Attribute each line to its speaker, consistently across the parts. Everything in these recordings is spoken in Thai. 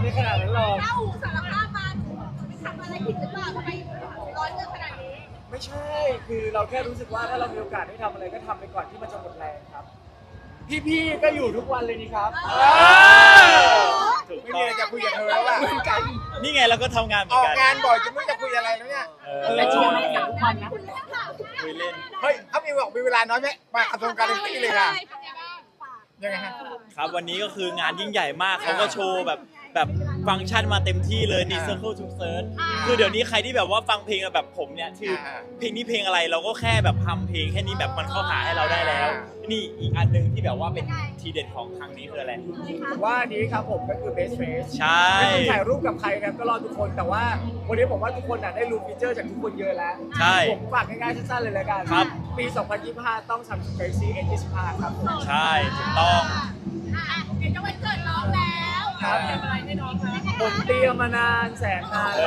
Speaker 1: ไม่ขนาดนั้นหรอก
Speaker 2: ถ้าอูสารภาพมาหนูทำอะไรผิดหรือเปล่าทำไมร้อนเงินขนาดนี้
Speaker 1: ไม่ใช่ คือเราแค่รู้สึกว่าถ้าเรามีโอกาสได้ทำอะไรก็ทำไปก่อนที่มันจะหมดแรงครับ พี่ๆก็อยู่ทุกวันเลยนี่ครับ
Speaker 3: ถูก
Speaker 4: ไม่
Speaker 3: ต้
Speaker 4: มี
Speaker 3: อง
Speaker 4: อะไรจะคุยกับเธอแล้วอ่ะ
Speaker 3: นี่ไงเราก็ทำงานเหมื
Speaker 4: อ
Speaker 3: อน
Speaker 4: อก
Speaker 3: กัน
Speaker 4: งานบ่อยจนไม่รู้จะคุยอะไรแล้วเนี่ย
Speaker 2: แต่ชวนไม่สั่งทุกวันนะคุณเล่นค่ะ
Speaker 3: คุยเล่น
Speaker 4: เฮ้ยเขามีบอกมีเวลาน้อยไหมมากระทรวงการเงินเลยค่ะยังไงฮะ
Speaker 3: ครับวันนี้ก็คืองานยิ่งใหญ่มากเขาก็โชว์แบบฟังก์ชันมาเต็มที่เลย Circle to Search คือเดี๋ยวนี้ใครที่แบบว่าฟังเพลงแบบผมเนี่ยคือเพลงนี้เพลงอะไรเราก็แค่แบบทำเพลงแค่นี้แบบมันเข้าหาให้เราได้แล้ว นี่อีกอันหนึงที่แบบว่าเป็นทีเด็ดของครั้งนี้คืออะไร
Speaker 1: ผมว่าอันนี้ครับผมก็คือ best face
Speaker 3: ใช่
Speaker 1: ไม่ต้องถ่ายรูปกับใครครับก็รอทุกคนแต่ว่าวันนี้ผมว่าทุกคนน่ะได้รู้ฟีเจอร์จากทุกคนเยอะแล้ว
Speaker 3: ใช่
Speaker 1: ผมฝากง่ายๆสั้นๆเลยแล้วกัน
Speaker 3: ครับ
Speaker 1: ปี 2025 ต้อง Samsung Galaxy S25 ครับผม
Speaker 3: ใช่ถูกต้อง
Speaker 2: เดี๋ยวจะวันเกิดน้องแล้ว
Speaker 1: ครับ
Speaker 2: ทำอะไรให้น้องคะ
Speaker 1: ผมเตรียมมานานแสนนาน
Speaker 3: เอ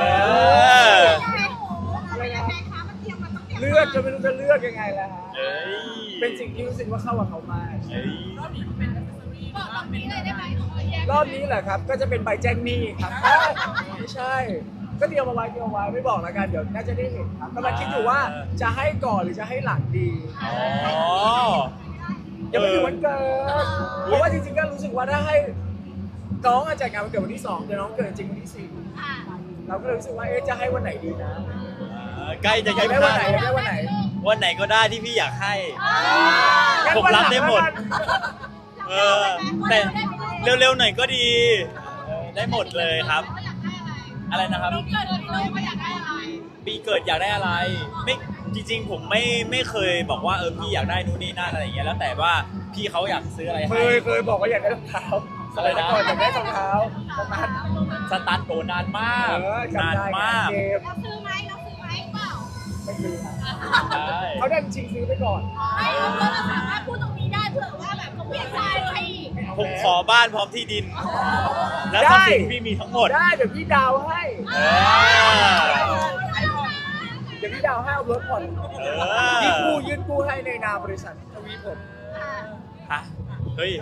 Speaker 1: แล้ว
Speaker 3: อ
Speaker 1: เลือกจะไม่รู้จะเลือกยังไงแล้วฮะ
Speaker 3: เอ้ย
Speaker 1: เป็นสิ่งที่รู้สึกว่าเข้ากับเขามาก
Speaker 3: เอ้ย
Speaker 2: บอกตรงนี้เลยได้ไหม
Speaker 1: รอบนี้แหละครับก็จะเป็นใบแจ้งหนี้ครับไม่ใช่ ก็เตรียมเอาไว้ไม่บอกแล้วกันเดี๋ยวน่าจะได้เห็นครับกำลังคิดอยู่ว่าจะให้ก่อนหรือจะให้หลังดี
Speaker 3: อ๋อ
Speaker 1: ยังไม่ถึงวันเกิดเพราะว่าจริงๆก็รู้สึกว่าถ้าให้น้องจัดงานวันเกิดวันที่2แต่น้องเกิดจริงวันที่4เราก็เลยรู้สึกว่าจะให้วันไหนดีนะ
Speaker 3: ใกล้จะ
Speaker 1: อยากได้วันไหนอยากได้วันไหน
Speaker 3: วันไหนก็ได้ที่พี่อยากให้
Speaker 1: งั้น
Speaker 3: ผม
Speaker 1: วัน
Speaker 3: รับ
Speaker 1: ลัง
Speaker 3: ได้หมด
Speaker 1: แล้วกัน
Speaker 3: เออแต่เร็วๆหน่อยก็ดีได้หมดเลยครับ อะไรนะครับ
Speaker 2: น้องเกิดเลยว่าอยากได้อะไร
Speaker 3: ปีเกิดอยากได้อะไร ไม่จริงๆผมไม่เคยบอกว่าพี่อยากได้นู่นนี่นั่นอะไรอย่างเงี้ยแล้วแต่ว่าพี่เขาอยากซื้ออะไร
Speaker 1: เค
Speaker 3: ให้
Speaker 1: ยบอกว่าอยากได้รองเท้า
Speaker 3: อะไรนะ
Speaker 1: ก่อนอยากได้รองเท้าประมาณ
Speaker 3: สตาร์ทโตนานมาก
Speaker 1: จำ
Speaker 3: นาน
Speaker 1: ได้
Speaker 3: มาก
Speaker 1: เกม
Speaker 2: เราซื้อไหมเปล่า
Speaker 1: ไม่ซื้อครับ
Speaker 3: ใช่
Speaker 1: เขาได้ชิงซื้อไปก่อน
Speaker 2: ไม่เราสามารถพูดตรงนี้ได้เผื่อว่าแบบเขาเปลี่ยนใจให้อีก
Speaker 3: ผมขอบ้านพร้อมที่ดิน และทรัพย์สินที่พี่มีทั้งหมด
Speaker 1: ได้เดี๋ยวพี่ดาวให้
Speaker 3: เออ
Speaker 1: เดี๋ยวพี่ดาวให้เอารถผ่อน
Speaker 3: อ
Speaker 1: ยื่นกู้ให้ในนามบริษัททวีผม
Speaker 3: ฮะเฮ้ย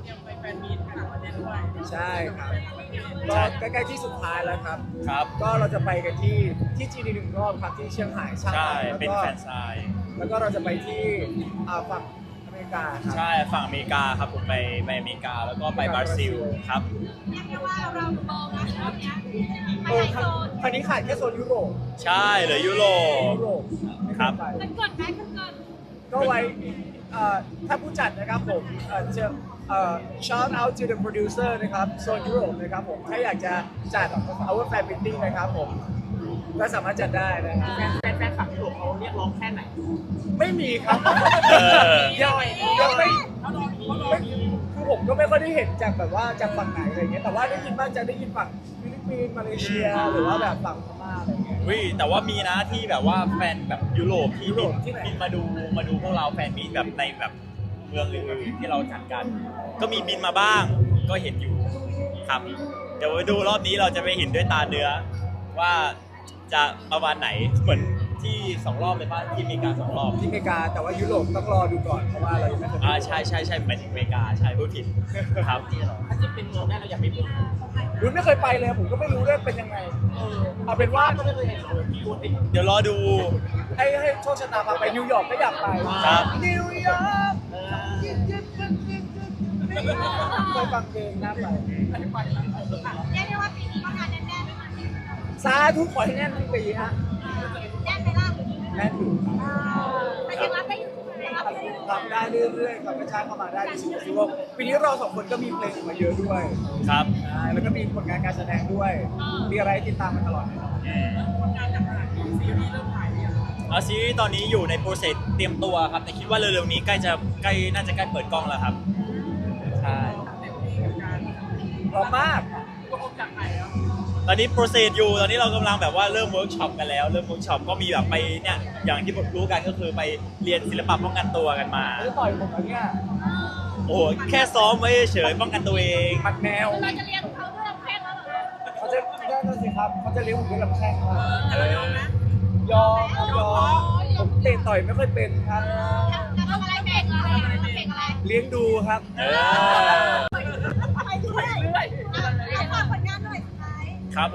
Speaker 1: ใช่ครับก็ใกล้ๆที่สุดท้ายแล้วครับ
Speaker 3: ครับ
Speaker 1: ก็เราจะไปกันที่จีนอีกหนึ่งรอบครับที่เชียงราย
Speaker 3: ใช่
Speaker 1: แล้ว
Speaker 3: เป็น
Speaker 1: ก็
Speaker 3: แฟนซาย
Speaker 1: แล้วก็เราจะไปที่ฝั่งอเมริกาครับ
Speaker 3: ใช่ฝั่งอเมริกาครับผมไปอเมริกาแล้วก็ไปบราซิลครับ
Speaker 2: เรียกได้ว่าเรามองนะรอบเนี้ย
Speaker 1: เออครั้งนี้ขาดแค่โซนยุโรป
Speaker 3: ใช่เหลือยุโรป
Speaker 1: ยุโรปไม่
Speaker 3: ครับ
Speaker 1: ไป
Speaker 2: มันเกิดไหมมันเกิด
Speaker 1: ก็ไว้ถ้าผู้จัดนะครับผมจะshout out to the producer นะครับโซนยุโรปนะครับผมถ้าอยากจะจัด our fan meeting นะครับผมก็สามารถจัดได้นะครับแฟนคลับยุโรปเขาเรียกร้องแค่ไหน ไม่มีครับ
Speaker 3: เออ
Speaker 1: ยังไม่คือผมก็ไม่ค่อยได้เห็นจากแบบว่าจากฝั่งไหนอะไรเงี้ยแต่ว่าได้ยินบ้างจะได้ยินฝั่งฟิลิปปินส์มาเลเซียหรือว่าแบบฝั่งพม่าอะไรเงี้ย
Speaker 3: วิแต่ว่ามีนะที่แบบว่าแฟนแบบยุโรปที่
Speaker 1: ยุโรปที่ไหน
Speaker 3: บินมาดูพวกเราแฟนมีตแบบในแบบเมืองอื่นๆที่เราจัดกัน ก็มีบินมาบ้างก็เห็นอยู่ครับเดี๋ยวไปดูรอบนี้เราจะไปเห็นด้วยตาเนื้อว่าจะประมาณไหนเหมือนที่2 รอบเลยป่ะที่อเมริกา2 รอบ
Speaker 1: ที่อเมริกาแต่ว่ายุโรปต้องรอดูก่อนเพราะว่าเรายังไม่เคย
Speaker 3: ใช่หมายถึงอเมริกาใช่พูดผิดครับ
Speaker 1: ถ้าจะเป็นเมืองแรกเราอยากไปเมืองรุ่นไม่เคยไปเลยผมก็ไม่รู้ด้วยเป็นยังไงเอาเป็นว่าก็ไม่เคยเห็นเลยพี่พูดติ
Speaker 3: เดี๋ยวรอดู
Speaker 1: ให้โชคชะตาพาไปนิวยอร์กก็อยากไป
Speaker 3: ครับ
Speaker 1: นิวยอร์กเคยฟังเพลงน่าไป
Speaker 2: เรียกได้ว่าปีนี้ก็งานแน่นๆด้วยมั้ย
Speaker 1: สาธุขอให้แน่นทั้งปีฮะ
Speaker 2: แน่นไปล่ะ
Speaker 1: แน่นอยู่
Speaker 2: แต่ยังรับได้อยู่รับได้อยู่
Speaker 1: ทำได้เรื่อยๆครับกระชากเข้ามาได้รู้สึกว่าปีนี้เรา2 คนก็มีเพลงออกมาเยอะด้วย
Speaker 3: ครับ
Speaker 1: ใช่แล้วก็มีผลงานการแสดงด้วย มีอะไรให้ติดตามมาตลอดแน่นอน
Speaker 3: เอาซีรีส์ตอนนี้อยู่ในโปรเซสเตรียมตัวครับแต่คิดว่าเร็วๆนี้น่าจะใกล้เปิดกล้องแล้วครับใช่
Speaker 1: พร้อมมาก
Speaker 3: ตอนนี้โปรเซสอยู่ตอนนี้เรากำลังแบบว่าเริ่มเวิร์กช็อปกันแล้วเริ่มเวิร์กช็อปก็มีแบบไปเนี่ยอย่างที่รู้กันก็คือไปเรียนศิลปะป้องกันตัวกันมา
Speaker 1: ไม่ได้ต่อยผมแล้วเนี่ย
Speaker 3: โอ้โหแค่ซ้อมไว้เฉยป้องกันตัวเอง
Speaker 1: มัดแนว
Speaker 2: เราจะเรียนเขาด้วยลำแข้งแล้วเหรอ
Speaker 1: เขาจะได้นั่นสิครับเขาจะเลี้ยงผมด้วยลำแข้งครับ
Speaker 2: แต่เรายอมนะ
Speaker 1: ยอมผมเตะต่อยไม่ค่อยเป็นครับ
Speaker 2: จะทำอะไรเก่งอะไรเก่งอะไร
Speaker 1: เลี้ยงดูครับ
Speaker 3: เออ
Speaker 2: ไปด้วยฝากผลงานหน่อย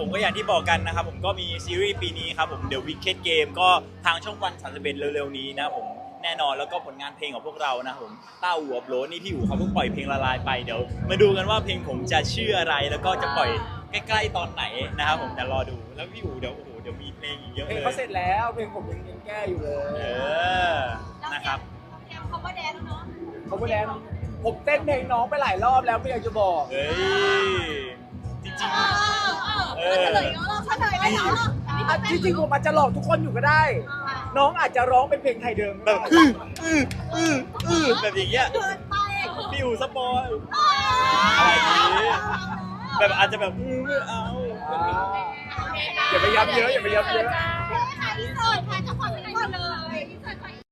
Speaker 3: ผมก็อย่างที่บอกกันนะครับผมก็มีซีรีส์ปีนี้ครับผม The Wicked Game ก็ทางช่องวัน31เร็วๆนี้นะผมแน่นอนแล้วก็ผลงานเพลงของพวกเรานะผมต้าอู่อับโหลดนี่พี่อู่เขาเพิ่งปล่อยเพลงละลายไปเดี๋ยวมาดูกันว่าเพลงผมจะชื่ออะไรแล้วก็จะปล่อยใกล้ๆตอนไหนนะครับผมแต่รอดูแล้วพี่อู่เดี๋ยวโอ้โหเดี๋ยวมีเพลงอีกเยอะ
Speaker 1: เพล
Speaker 3: เล
Speaker 1: ง
Speaker 3: ย
Speaker 1: เขาเสร็จแล้วเพลงผมยังแก้อยู่เลย
Speaker 3: นะครับ
Speaker 2: เตรียม cover dance เนาะ
Speaker 1: เขาพูดแล้วผมเต้นเพลงน้องไปหลายรอบแล้วไม่อยากจะบอก
Speaker 3: เฮ้ยจริง
Speaker 2: เฉลยเนาะเราเฉลยได้เนาะ
Speaker 1: ที่จริงผมอาจจะหลอกทุกคนอยู่ก็ได้ น้องอาจจะร้องเป็นเพลงไทยเดิม
Speaker 3: ๆ
Speaker 1: ก็
Speaker 3: แบบ
Speaker 1: ได้
Speaker 3: แบบอย่างเงี้ย
Speaker 2: เกินไป
Speaker 3: พี่อู่สปอยอะไรอย่างงี้แบบอาจจะแบบไม่เอา
Speaker 1: อย่าไปย้ำเยอะอย่าไปย้ำเยอะ
Speaker 2: ที่สุด